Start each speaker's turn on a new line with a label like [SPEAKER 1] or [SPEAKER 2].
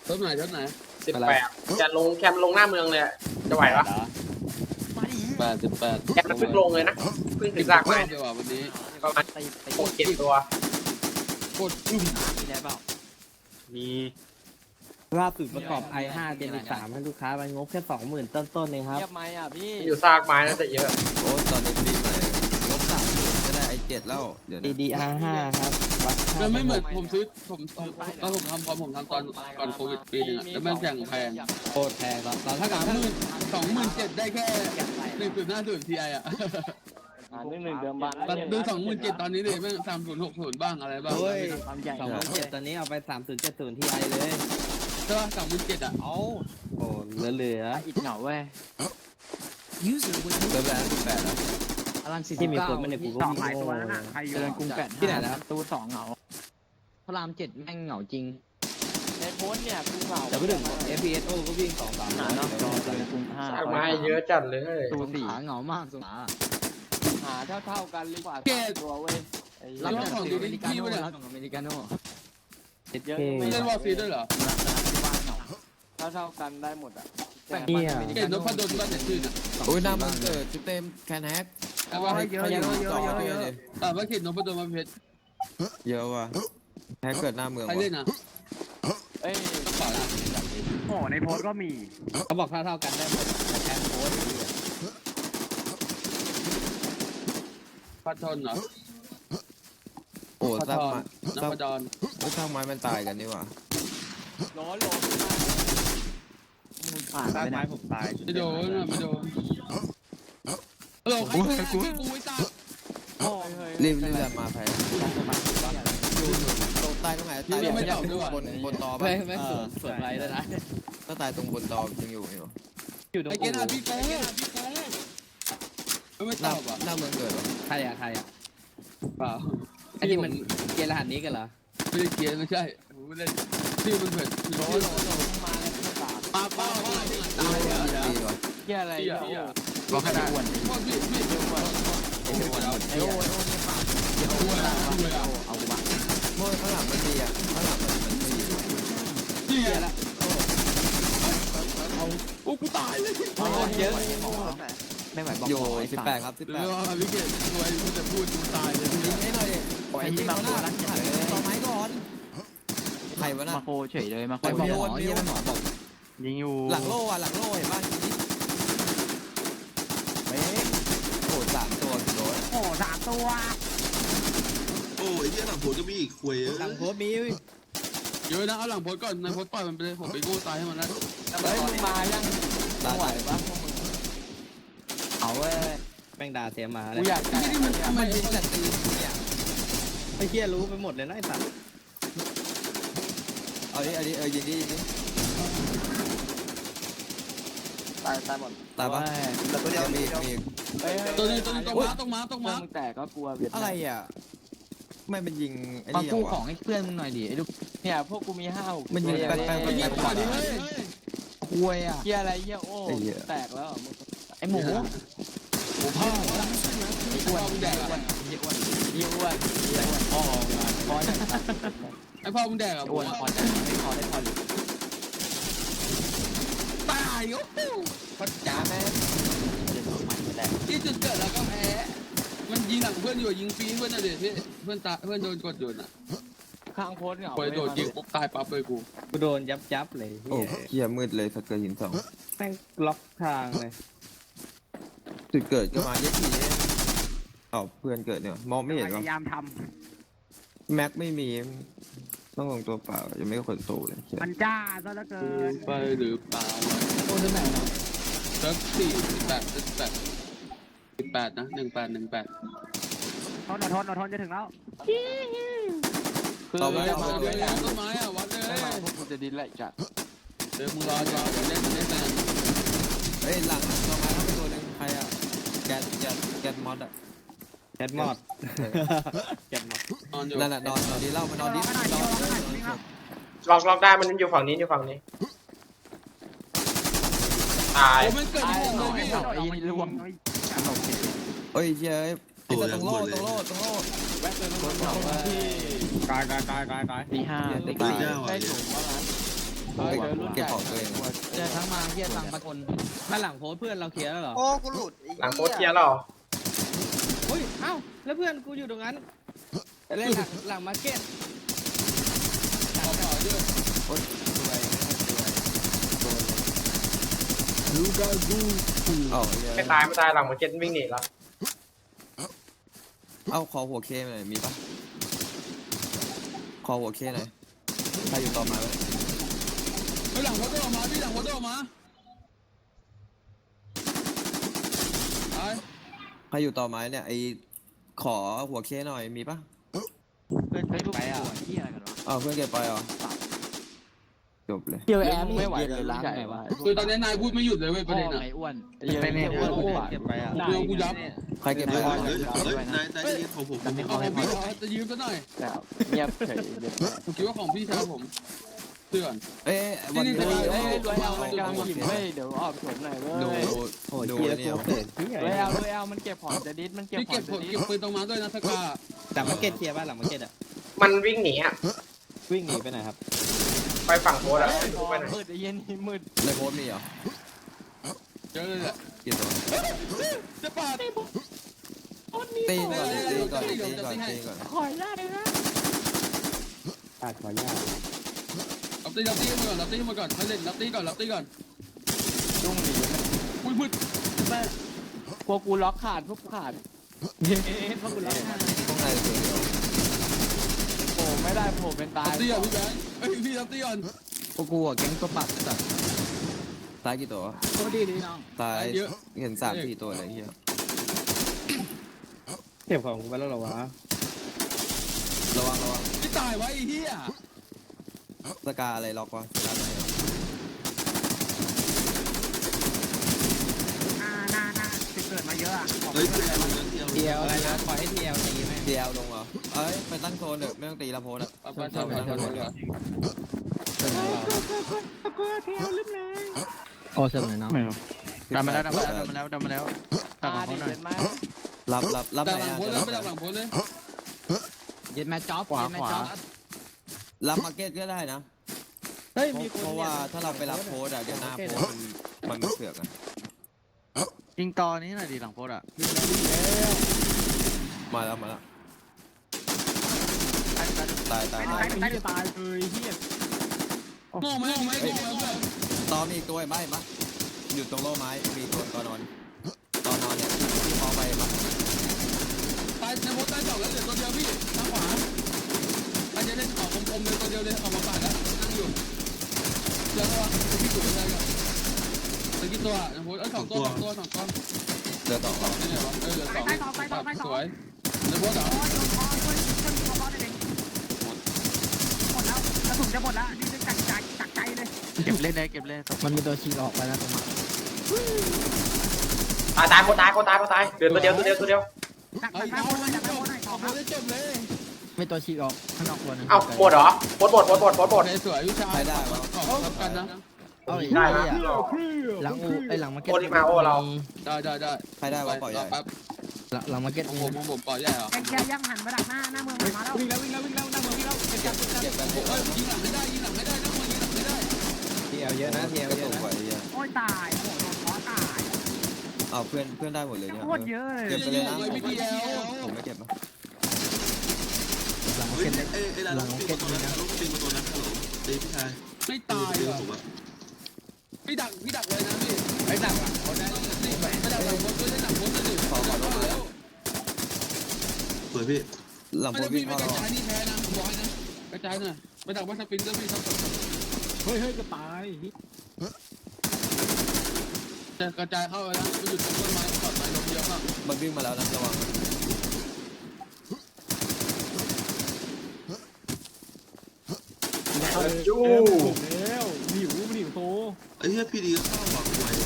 [SPEAKER 1] เท่าไหน
[SPEAKER 2] 18จะลงแคมป์ลงหน้าเมืองเลยจะไหวปะ
[SPEAKER 1] 18
[SPEAKER 2] แคมป์มันเพิ่งลงเลยนะเพิ่งถึงซากไม้
[SPEAKER 1] เดี๋ยววันนี้
[SPEAKER 2] ประมาณ6-7 ตัว
[SPEAKER 1] กดอุ้ม
[SPEAKER 3] มีได้เปล่า
[SPEAKER 2] มี
[SPEAKER 4] ล่าสุดประกอบ i5 Gen 3ให้ลูกค้าไปงบแค่ 20,000 ต้นๆเองครับ
[SPEAKER 3] เงียบไหมอ่ะพี่
[SPEAKER 2] อยู่ซากไม้น่าจะเยอะ
[SPEAKER 5] โอ้ตอนนี้ปีใหม่ลบ30ก็ได้i7แล้วเดี๋ยวนะ
[SPEAKER 4] DDR5 ครับวัดค่า
[SPEAKER 1] มันไม่เหมือนผมซื้อผมตอนผมทำพอผมทำตอนก่อนโควิดปีนึงแล้วมันอย่างแพง
[SPEAKER 4] โคตรแพงครับตอน
[SPEAKER 1] ถ้า
[SPEAKER 4] ถ้า
[SPEAKER 1] กับ
[SPEAKER 4] กับ
[SPEAKER 1] 27,000ได้แค่1.50 Ti อ่ะ
[SPEAKER 3] หนึ่งเดิมบ้าน
[SPEAKER 1] ตัดดู27,000ตอนนี้เลยแม่ง3060บ้างอะไรบ้าง
[SPEAKER 4] เฮ้ย
[SPEAKER 3] ความใหญ่
[SPEAKER 4] 27,000ตอนนี้เอาไป 3070 Ti เลย
[SPEAKER 1] ใช่ป่ะ37,000อ่ะ
[SPEAKER 3] เอา
[SPEAKER 4] โอ้เหลือ
[SPEAKER 3] อิดเหงาเว้ย
[SPEAKER 5] เริ่มแล้ว18แล้ว
[SPEAKER 3] อลังสิ
[SPEAKER 4] ๆที่มีคนมาในกูก็
[SPEAKER 6] หลายตัวแล้วนะใครอยู่
[SPEAKER 3] เจริญกรุงแปด
[SPEAKER 4] ที่ไหนนะครับ
[SPEAKER 3] ตู2เหงาพระราม7แม่งเหงาจริงในโพสเนี่ยกูเหงา
[SPEAKER 4] แต่พูดถึง FPSO ก็วิ่ง 2-3
[SPEAKER 3] หาเนาะจอเจริญกรุง5
[SPEAKER 2] ซากไม้เยอะจัดเลย
[SPEAKER 3] ตู4เหงามากสุดหาเท่ากันหรือเปล่าตัวเว้ยรับของอเมริกาโน่รับของอเมริกาโน่
[SPEAKER 4] 7K
[SPEAKER 1] เล่นวอลซีด้วยเหรอ
[SPEAKER 3] เท่ากันได้หมดอ่ะ
[SPEAKER 4] เนี่ย
[SPEAKER 1] เก่งนพดลบ้านเด็ดชื่นอ่ะ
[SPEAKER 5] โอ้ยหน้ามันเกิดชุดเต็มแคนแฮก
[SPEAKER 1] แต่ว่าให้
[SPEAKER 6] เยอะเยอะเยอะเยอะเยอะ
[SPEAKER 1] แต่ว่าเก่งนพดลมาเพชร
[SPEAKER 5] เยอะว่ะแฮกเกิดหน้าเมือง
[SPEAKER 1] ใคร
[SPEAKER 5] ว่ะ
[SPEAKER 1] เล่นอ่ะ
[SPEAKER 3] เอ้ย
[SPEAKER 1] เปล่าละ
[SPEAKER 6] โอ้ในโพสต์ก็มี
[SPEAKER 4] เขาบอกเท่ากันได้หมดแต่แทนโค้ด
[SPEAKER 1] พัดทนเหรอ
[SPEAKER 5] โอ้
[SPEAKER 1] พัด
[SPEAKER 5] สร้าง
[SPEAKER 1] ท
[SPEAKER 5] ไม้
[SPEAKER 1] นน
[SPEAKER 5] สร้าง
[SPEAKER 1] พดล
[SPEAKER 5] สร้างไม้มันตายกันนี่หว่า
[SPEAKER 3] ร้อนลงผ่าน
[SPEAKER 6] ต้
[SPEAKER 3] ไป
[SPEAKER 6] น
[SPEAKER 3] ไหน
[SPEAKER 6] ไม้ผมตาย
[SPEAKER 1] ไม่โดนอ่ะไม่โดนเออใครกูไอ้ตา
[SPEAKER 5] รีบมาแพ้อยู่ตรงใต้ตรงไหนตายบนตอ
[SPEAKER 4] ไม่สวนไรแล้วนะ
[SPEAKER 5] ถ้าตายตรงบนตอยังอยู่
[SPEAKER 4] อยู่ตรง
[SPEAKER 1] ไอ้เกณฑ์อ่ะพี่โก้ไม่
[SPEAKER 5] ห
[SPEAKER 1] ต
[SPEAKER 5] น้า
[SPEAKER 1] อบอ่ะ
[SPEAKER 5] หน้าเมืองเกิดวะ
[SPEAKER 4] ใครอ่ะ
[SPEAKER 1] เปล่า
[SPEAKER 4] ไอ้ที่มันเกณฑ์รหัสนี้กันเหรอ
[SPEAKER 1] ไม่ได้เกียร์ไม่ใช่ผมเล่นชื่อมันเผ็ด
[SPEAKER 3] โลมาแล้วไม่ตา
[SPEAKER 1] ป้าป้าตายเลยนะ
[SPEAKER 5] ดีว่ะ
[SPEAKER 3] เกี่ยอะไร
[SPEAKER 1] บอกขนาดอ้วนพ่อพี่พี่
[SPEAKER 3] ไอ้โอ้เนี่ยปากเดี๋ยวเอากูมา
[SPEAKER 5] เมื่อข้างหลังมันดีอ่ะข้างหลังมันดี
[SPEAKER 1] นี่ไงละโอ้กูตายเลย
[SPEAKER 3] เยอะไม่ไหวบอก
[SPEAKER 5] อยู่18ครับ
[SPEAKER 1] เรือพี่เกดรวยกูจะพูดกูตายเลย
[SPEAKER 5] ยิงให้หน่อย
[SPEAKER 3] ไอ้ที่มาโครักเฉยเลย
[SPEAKER 5] ต่อไม้ก่อนใครวะน่ะ
[SPEAKER 3] มาโคเฉยเลยมาโคบอกหมอเยี่ยมหมอบอก
[SPEAKER 6] ยิงอยู่
[SPEAKER 5] หลังโล่อะหลังโล่เห็นป่ะเฮ้ยโห3ตัวกี่โล
[SPEAKER 6] โอ้3 ตัว
[SPEAKER 7] โอ้ยเหี้ยหลังผมก็มีอีกควย
[SPEAKER 4] หลังโค้ดมี
[SPEAKER 1] เยอะนะเอาหลังโพสก่อนในโพสปล่อยมันไปเลยผมไปกู้ตายให้มันแล้ว
[SPEAKER 3] เฮ้ยมึงมายังไหวปะเอาเว้ย
[SPEAKER 4] แม่งด่าเสียหมาเล
[SPEAKER 3] กู
[SPEAKER 4] ย
[SPEAKER 3] อยาก
[SPEAKER 1] นี่มัน
[SPEAKER 5] ยิงแต่ตีเนี่ย
[SPEAKER 4] ไอ้เหี้ยรู้ไปหมดเลยนะไอ้สัตว์
[SPEAKER 5] เอาดิยิงดิ
[SPEAKER 3] ตายหมด
[SPEAKER 5] ตายปะแต่ตัวเดียวมี
[SPEAKER 1] ตัวนี้ต้องมา
[SPEAKER 3] มึงแตกก็กลัวเวียด
[SPEAKER 5] อะไรอ่ะไม่เป็นยิงไอ้
[SPEAKER 3] มา
[SPEAKER 5] นี่
[SPEAKER 3] กู้
[SPEAKER 5] วะ
[SPEAKER 3] ของให้เพื่อนมึงหน่อยดิไอ้ลูกเนี่ยพวกกูมี5-6
[SPEAKER 5] มันยิงแปลก
[SPEAKER 1] ไอ้เงี้ยก่อนดิเฮ้ย
[SPEAKER 3] คุยอ่ะเฮียอะไรเฮียโอ้แตกแล้วไอ้หมู
[SPEAKER 1] โอ้พ่อ
[SPEAKER 3] ไอ้อ้วนแดกเฮียอ้วนพ่อมาพ่อ
[SPEAKER 1] ไอ้พ่อมึงแดกอ่ะ
[SPEAKER 3] อ้วนพอใจไม่พอได้พอหรือ
[SPEAKER 1] ตายโอ้โหพัดจ๋าแม่
[SPEAKER 3] เดี๋ยวใหม่แตก
[SPEAKER 1] ที่จุดเกิดแล้วก็แพ้มันยิงหลังเพื่อนอยู่ยิงฟรีเพื่อนน่ะเด็ดพี่เพื่อนตาเพื่อนโดนกดอยู่น่ะ
[SPEAKER 3] ข้างโพสเหงา
[SPEAKER 1] คอยโดนยิงปุ๊บตายปั๊บเลยกู
[SPEAKER 4] กูโดนยับเลย
[SPEAKER 5] โอ้เหี้ยมืดเลยสักเกินหินสอง
[SPEAKER 4] แม่งล็อกทางเลย
[SPEAKER 5] จุดเกิดก็มาเยอะทีเอาเพื่อนเกิดเนี่ยมองไม่เห็น
[SPEAKER 6] พ
[SPEAKER 5] วะ
[SPEAKER 6] ยายามท
[SPEAKER 5] แม็กไม่มีต้องลงตัวเปล่ายังไม่ขนโตเลย
[SPEAKER 6] ำมันจ้าซะเหลือเกิน
[SPEAKER 1] ไปหรือเปล่า
[SPEAKER 3] โอ้ที่ไหนเนาะ
[SPEAKER 1] สัก18นะ18
[SPEAKER 6] ทนจะถึงแล้ว
[SPEAKER 3] คือ
[SPEAKER 1] มา
[SPEAKER 3] จะมา
[SPEAKER 1] เล
[SPEAKER 3] ด้วย
[SPEAKER 1] ย
[SPEAKER 3] กัน
[SPEAKER 1] ต้นไม้อ่ะวัดเลย
[SPEAKER 3] ไม่มาพวกกูจะดิ้นไหลจัด
[SPEAKER 1] เดี๋ยวมึงรอเล่นนะ
[SPEAKER 5] เฮ้ยหลังตัวไม้ทั้งตัวนึงใครอ่ะแกนมอดอ่ะ
[SPEAKER 4] แคทมอดแคทมอด
[SPEAKER 1] นอนอยู่
[SPEAKER 5] นั่นแหละนอนดีเล่ามานอนดี
[SPEAKER 2] ล็อกได้มันอยู่ฝั่งนี้ตาย
[SPEAKER 1] โอ้มันเกิด
[SPEAKER 3] ไอ้
[SPEAKER 1] ที่
[SPEAKER 3] ห
[SPEAKER 1] ผ
[SPEAKER 3] น่
[SPEAKER 1] ม
[SPEAKER 3] อย
[SPEAKER 1] เลย
[SPEAKER 3] ไอ้รวม
[SPEAKER 5] เฮ้ยเฮ้ยติดตรงโล่ตรงโล่
[SPEAKER 3] คนบอกว่า
[SPEAKER 6] กาย
[SPEAKER 3] ตี 5
[SPEAKER 7] ตีเจ้า
[SPEAKER 3] ได้
[SPEAKER 7] อ่ะ
[SPEAKER 3] ถูกว่า
[SPEAKER 5] เก็บของตัวเอง
[SPEAKER 3] เจอทั้งมาเฮียตังประทน
[SPEAKER 4] บ้านหลังโพสต์เพื่อนเราเคลียร์แล้วเหรอ
[SPEAKER 8] โอ้กูหลุดไอ้
[SPEAKER 2] หลังโพสต์เคลียร์แล้วเหรอ
[SPEAKER 4] เฮ้ยเอ้าแล้วเพื่อนกูอยู่ตรงนั้นเล่นหลังมาร์เก็ต
[SPEAKER 1] ขอต่อด้วย
[SPEAKER 5] อ๋อ
[SPEAKER 2] ไม่ตายไม่ตายหลังมาเก็ตวิ่งหนีแล้ว
[SPEAKER 5] เอาขอหัวเคหน่อยมีปะขอหัวเคหน่อยใครอยู่ต่อมาไหม
[SPEAKER 1] ไปหลังโพสต์ออกมาพี่หลังโพสต์ออกมาไป
[SPEAKER 5] ใครอยู่ต่อไม้เนี่ยไอขอหัวเคหน่อยมีปะ
[SPEAKER 3] เพื่อนไปอ่ะเฮียอะไรกันวะ
[SPEAKER 5] อ้าวเพื่อนเก็บไปเหรอจบเลย
[SPEAKER 4] เกี่ยวแอร์
[SPEAKER 3] ไม่ไหวเลยล้างไงวะ
[SPEAKER 1] คือตอนนี้นายพูดไม่หยุดเลยเว้ยประเด็นอ่ะ
[SPEAKER 3] ไอ้อ้วน
[SPEAKER 4] ไม่เนี่ยเก็บไปอ่ะ
[SPEAKER 1] เดี๋ยวกูยับ
[SPEAKER 5] ใครเก็บไป
[SPEAKER 7] เฮ้ย
[SPEAKER 5] วะ
[SPEAKER 7] เฮ้ยนายจะเรียนของผม
[SPEAKER 1] เอาของพี่เขาจะยืมซะหน่อย
[SPEAKER 3] เงียบเฉย
[SPEAKER 1] ผมคิดว่าของพี่ชายผมเตือน
[SPEAKER 5] เอ้ยวันนี้
[SPEAKER 1] นี่
[SPEAKER 3] เฮ้ยรวยเอามันกำลังหยิบเฮ้ยเดี๋ยวออกสวนหน่อยเว้
[SPEAKER 5] ดู
[SPEAKER 3] ย
[SPEAKER 4] โอ้ย
[SPEAKER 5] ดู
[SPEAKER 4] เกียร์
[SPEAKER 5] เนี่
[SPEAKER 4] กู
[SPEAKER 5] ย
[SPEAKER 4] เกิดที่
[SPEAKER 3] รวยเอามันเก็บของจะดิสมันเก็บ
[SPEAKER 1] พี่
[SPEAKER 3] ขอ
[SPEAKER 1] เก็
[SPEAKER 3] ง
[SPEAKER 1] บ
[SPEAKER 3] จะดิ
[SPEAKER 1] เก็
[SPEAKER 3] ส
[SPEAKER 1] บปืนตรงมาด้วยนะสกา
[SPEAKER 4] หลังมาร์เก็ตเคลียร์บ้านหลังมาร์เก็ตอ่ะ
[SPEAKER 2] มันวิ่งหนีอ่ะ
[SPEAKER 4] วิ่งหนีไปไหนครับ
[SPEAKER 2] ไปฝั่งโพสต์อ่ะไปไหน
[SPEAKER 3] มืดไอ้เย็นนี่มืด
[SPEAKER 5] ในโพสต์มีเหรอ
[SPEAKER 1] เจอเลยแหละ
[SPEAKER 5] กี่ตัว
[SPEAKER 1] จะปาด
[SPEAKER 5] ตีก่อนตีก่อนตีก่อนตีก่อน
[SPEAKER 3] ขอญาตเลยนะ
[SPEAKER 4] ขาดขออนุญาต
[SPEAKER 1] รับตีมาก่อนรับตีมาก่อนมาเล่นรับตีก่อนรับตีก่อน
[SPEAKER 3] จุ้งหนี
[SPEAKER 1] อุ้ยมืดแม่
[SPEAKER 3] พวกกูล็อกขาดพวกกูขาด
[SPEAKER 4] เพราะกูร้องไห้
[SPEAKER 5] ข้างในตัวเดียว
[SPEAKER 3] โผล่ไม่ได้โผล่เป็นตาย
[SPEAKER 1] รับตีก่อนพี่แบงค์เอ้ยพี่รับตีก่อน
[SPEAKER 4] พวกกูอ่ะแก๊งตัวปัดสัตว์
[SPEAKER 5] ตายกี่ตัว
[SPEAKER 3] โคตรดีน้อง
[SPEAKER 5] ตายเห็น3-4ตัวอะไรเงี้ย
[SPEAKER 4] เก็บของกูไปแล้วเหรอวะ
[SPEAKER 5] ระวังระวัง
[SPEAKER 1] ไม่ตายไว้ไอ้เหี้ย
[SPEAKER 5] สกาอะไรล็อกวะสกาอะไร
[SPEAKER 6] น่าติดเกิดมาเยอะอ่ะ
[SPEAKER 7] เฮ้ยเพื่อนอะไรนั้นเดียว
[SPEAKER 4] เทียวอะไรนะปล่อยให้เทียวตีไหม
[SPEAKER 5] เดียวลงเหรอเอ้ยไปตั้งโซนเถอะไม่ต้องตีละโพสอ่ะ
[SPEAKER 1] ไปเถอะไปเถอะไปเถอะ
[SPEAKER 4] โอ้เสมอเนาะ
[SPEAKER 5] ดันมาแล้ว
[SPEAKER 3] ตาดิเห็นไหม
[SPEAKER 5] รับ
[SPEAKER 1] ดัก
[SPEAKER 5] ไหน
[SPEAKER 1] หลัง
[SPEAKER 5] อ่ะ
[SPEAKER 1] โพสเลยไปดักหลังโพสเลย
[SPEAKER 3] ย็นแม่จ๊อบขวา
[SPEAKER 5] รับมาร์เก็ตก็ได้นะ
[SPEAKER 4] เฮ้ยมีคน
[SPEAKER 5] เพราะว่าถ้าเราไปรับโพสอ่ะเดี๋ยวหน้าโพสมันเสือกอ่ะ
[SPEAKER 3] ยิงตอนี้หน่อยดิหลังโพสอ่ะ
[SPEAKER 5] มาแล้วตาย
[SPEAKER 6] ตายเลยเฮีย
[SPEAKER 1] โง่ไหมโง่ไหมโง่ไหมเพื่อน
[SPEAKER 5] ตอมีอีกตัวไหมอยู่ตรงโล่ไม้มีตัวตอนอนเนี่ยที่มองไปมั้ย
[SPEAKER 1] ตายในโพสตายสองแล้วเหลือตัวเดียวพี่ทางขวาใครจะเล่นออกคมๆเลยตัวเดียวเลยออกมาปาดแล้วนั่งอยู่เจอตัวพี่จุดอะไรกันตะกี้ตัวในโพสสองตัว
[SPEAKER 5] เดือดต่อ
[SPEAKER 1] นี่ไงวะเหลือ2สวยในโพสเหรอ
[SPEAKER 6] หมดแล้วกระสุนจะหมดแล้วนี่จะจักใจเลย
[SPEAKER 3] เก็บเล่นเลยเก็บเล่น
[SPEAKER 4] มันมีตัวฉีกออกไปแล้วตรงนั้น
[SPEAKER 2] ตายโคตายเดือดตัวเดียว
[SPEAKER 6] จัก
[SPEAKER 1] เอา
[SPEAKER 6] ไป
[SPEAKER 1] เอา
[SPEAKER 6] โคตรจักไป
[SPEAKER 1] เอา
[SPEAKER 6] โคตรหน่อย
[SPEAKER 1] เอาโพสได้จบเลย
[SPEAKER 4] ไม่ตัวฉีกออกข้างนอกตัวนึง
[SPEAKER 2] เอ้าหมดเหรอโพสต์หมด
[SPEAKER 1] โสวยวิชารับกันนะ
[SPEAKER 4] เอาอีก
[SPEAKER 2] ได้นะ
[SPEAKER 4] หลังอูไอหลังมาร์เก็ต
[SPEAKER 2] โอลิมาโอเรา
[SPEAKER 1] ได้
[SPEAKER 5] ใครได้วะปล่อยใหญ่
[SPEAKER 1] แป๊บ
[SPEAKER 4] หลังมาร์เก็ต
[SPEAKER 1] ผมปล่อยใหญ่เหรอ
[SPEAKER 6] แกยังหันมาดักหน้าเมืองมาแล้ว
[SPEAKER 1] วิ่งแล้วหน้าเมืองวิ่งแล้วเก็บ
[SPEAKER 5] เก็บไป
[SPEAKER 1] เฮ้ยยิงหลังไม่ได้นะมึงยิงหลังไม่ได้
[SPEAKER 4] เทียวเยอะนะเทียว
[SPEAKER 5] ก็
[SPEAKER 4] เย
[SPEAKER 5] ต
[SPEAKER 4] อะ
[SPEAKER 5] ก
[SPEAKER 4] นะ
[SPEAKER 5] ไปเยอะ
[SPEAKER 6] โอ้ยตายโอ้โดนขอตาย
[SPEAKER 5] เอาเพื่อนได้หมดเลยเนี่ย
[SPEAKER 6] โคตรเยอะเลย
[SPEAKER 5] เก็บไปเลยนะ
[SPEAKER 1] ไม่ดีแล้ว
[SPEAKER 5] ผมไม่เก็บนะ
[SPEAKER 4] หลังมา
[SPEAKER 7] เฮ้
[SPEAKER 4] ร์
[SPEAKER 7] ย
[SPEAKER 4] เก็ต
[SPEAKER 7] ไอ้ร้านลูกปิงมาตัวนั้นลูกปิงมาตัวนั้นฮัลโหลตีพี่ชาย
[SPEAKER 1] ไม่ตาย
[SPEAKER 7] ตี
[SPEAKER 1] เหรอ
[SPEAKER 7] ผมอะ
[SPEAKER 1] พี่ดักเลยนะพี่ไอ้ดักอ่ะเขาได้ไม่ดักหลังโพสด้วยได้หลังโพสเลยขอแล้ว
[SPEAKER 7] สวยพี่
[SPEAKER 5] หลัง
[SPEAKER 1] ไม่
[SPEAKER 5] โพ
[SPEAKER 1] ได้
[SPEAKER 5] วิ่
[SPEAKER 1] พี่
[SPEAKER 5] ง
[SPEAKER 1] ไม่
[SPEAKER 5] เข้าก
[SPEAKER 1] ระจายนี่แพ้นะผมบอกให้นะกระจายหน่อยไปดักว่าสปินเตอร์พี่ครับ
[SPEAKER 4] เฮ้ยก็ตาย
[SPEAKER 1] จะกระจายเข้าไปแล้วไปหยุดต้นไม้ปลอดภัยลงเยอะมาก
[SPEAKER 5] มันวิ่งมาแล้วนะระวัง
[SPEAKER 2] จู้
[SPEAKER 4] หิวโต
[SPEAKER 7] ไอ้เหี้ยพี่ดีก็เข้าหวังหวย